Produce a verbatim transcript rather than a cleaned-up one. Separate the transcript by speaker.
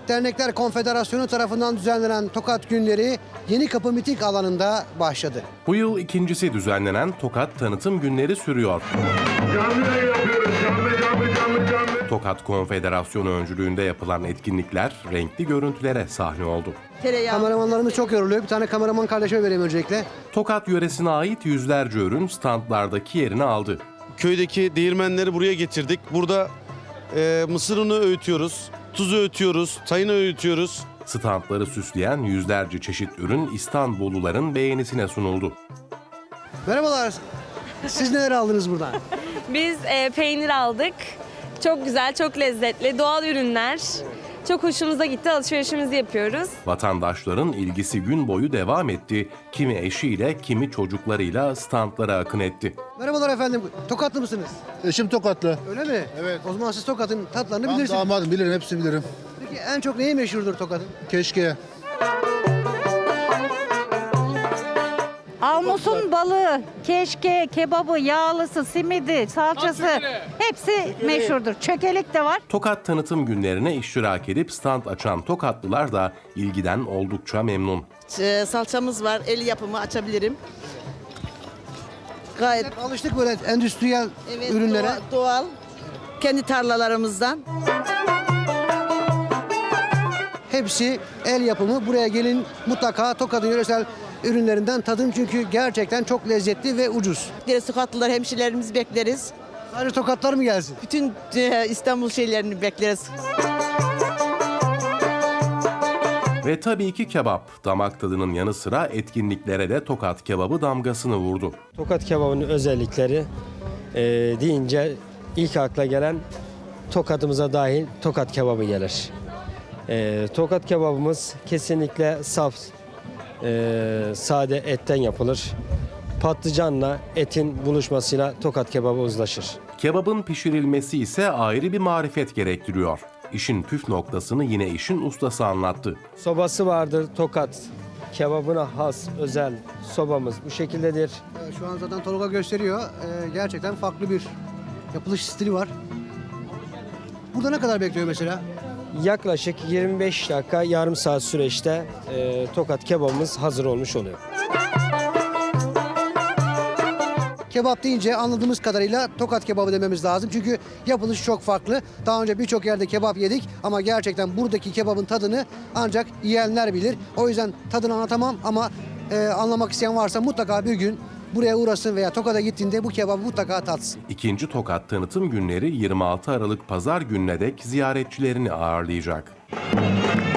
Speaker 1: Dernekler Konfederasyonu tarafından düzenlenen Tokat Günleri Yenikapı Miting alanında başladı.
Speaker 2: Bu yıl ikincisi düzenlenen Tokat Tanıtım Günleri sürüyor.
Speaker 3: Canlı yayın yapıyoruz. Canlı canlı canlı canlı.
Speaker 2: Tokat Konfederasyonu öncülüğünde yapılan etkinlikler renkli görüntülere sahne oldu.
Speaker 1: Kameramanlarımız çok yoruluyor. Bir tane kameraman kardeşime vereyim öncelikle.
Speaker 2: Tokat yöresine ait yüzlerce ürün standlardaki yerini aldı.
Speaker 4: Köydeki değirmenleri buraya getirdik. Burada e, mısır unu öğütüyoruz, tuzu öğütüyoruz, tayını öğütüyoruz.
Speaker 2: Standları süsleyen yüzlerce çeşit ürün İstanbulluların beğenisine sunuldu.
Speaker 1: Merhabalar. Siz neler aldınız buradan?
Speaker 5: Biz e, peynir aldık. Çok güzel, çok lezzetli, doğal ürünler. Çok hoşumuza gitti, alışverişimizi yapıyoruz.
Speaker 2: Vatandaşların ilgisi gün boyu devam etti. Kimi eşiyle, kimi çocuklarıyla standlara akın etti.
Speaker 1: Merhabalar efendim. Tokatlı mısınız?
Speaker 6: Eşim Tokatlı.
Speaker 1: Öyle mi?
Speaker 6: Evet.
Speaker 1: O zaman siz Tokat'ın tatlarını
Speaker 6: Ben
Speaker 1: bilirsiniz.
Speaker 6: damadım, bilirim, hepsini bilirim.
Speaker 1: Peki en çok neyi meşhurdur Tokat'ın?
Speaker 6: Keşke.
Speaker 7: Almusun balığı, keşke, kebabı, yağlısı, simidi, salçası hepsi meşhurdur. Çökelek de var.
Speaker 2: Tokat Tanıtım Günlerine iştirak edip stand açan Tokatlılar da ilgiden oldukça memnun.
Speaker 8: Ee, salçamız var, el yapımı açabilirim. Gayet
Speaker 1: Hep alıştık böyle endüstriyel
Speaker 8: evet,
Speaker 1: ürünlere.
Speaker 8: doğa- doğal, kendi tarlalarımızdan.
Speaker 1: Hepsi el yapımı. Buraya gelin mutlaka Tokat'ın yöresel ürünlerinden tadın çünkü gerçekten çok lezzetli ve ucuz.
Speaker 8: Diğer sokaklılar, hemşirelerimizi bekleriz.
Speaker 1: Sadece Tokatlar mı gelsin?
Speaker 8: Bütün e, İstanbul şeylerini bekleriz.
Speaker 2: Ve tabii ki kebap. Damak tadının yanı sıra etkinliklere de Tokat kebabı damgasını vurdu.
Speaker 9: Tokat kebabının özellikleri e, deyince ilk akla gelen tokatımıza dahil tokat kebabı gelir. E, tokat kebabımız kesinlikle saf, e, sade etten yapılır. Patlıcanla etin buluşmasıyla tokat kebabı uzlaşır.
Speaker 2: Kebabın pişirilmesi ise ayrı bir marifet gerektiriyor. İşin püf noktasını yine işin ustası anlattı.
Speaker 9: Sobası vardır tokat. Kebabına has özel sobamız bu şekildedir.
Speaker 1: Ee, Şu an zaten Tolga gösteriyor. Ee, gerçekten farklı bir yapılış stili var. Burada ne kadar bekliyor mesela?
Speaker 9: Yaklaşık yirmi beş dakika yarım saat süreçte e, tokat kebabımız hazır olmuş oluyor.
Speaker 1: Kebap deyince anladığımız kadarıyla Tokat kebabı dememiz lazım. Çünkü yapılışı çok farklı. Daha önce birçok yerde kebap yedik ama gerçekten buradaki kebabın tadını ancak yiyenler bilir. O yüzden tadını anlatamam ama e, anlamak isteyen varsa mutlaka bir gün buraya uğrasın veya Tokat'a gittiğinde bu kebabı mutlaka tatsın.
Speaker 2: İkinci Tokat Tanıtım Günleri yirmi altı Aralık Pazar gününe dek ziyaretçilerini ağırlayacak.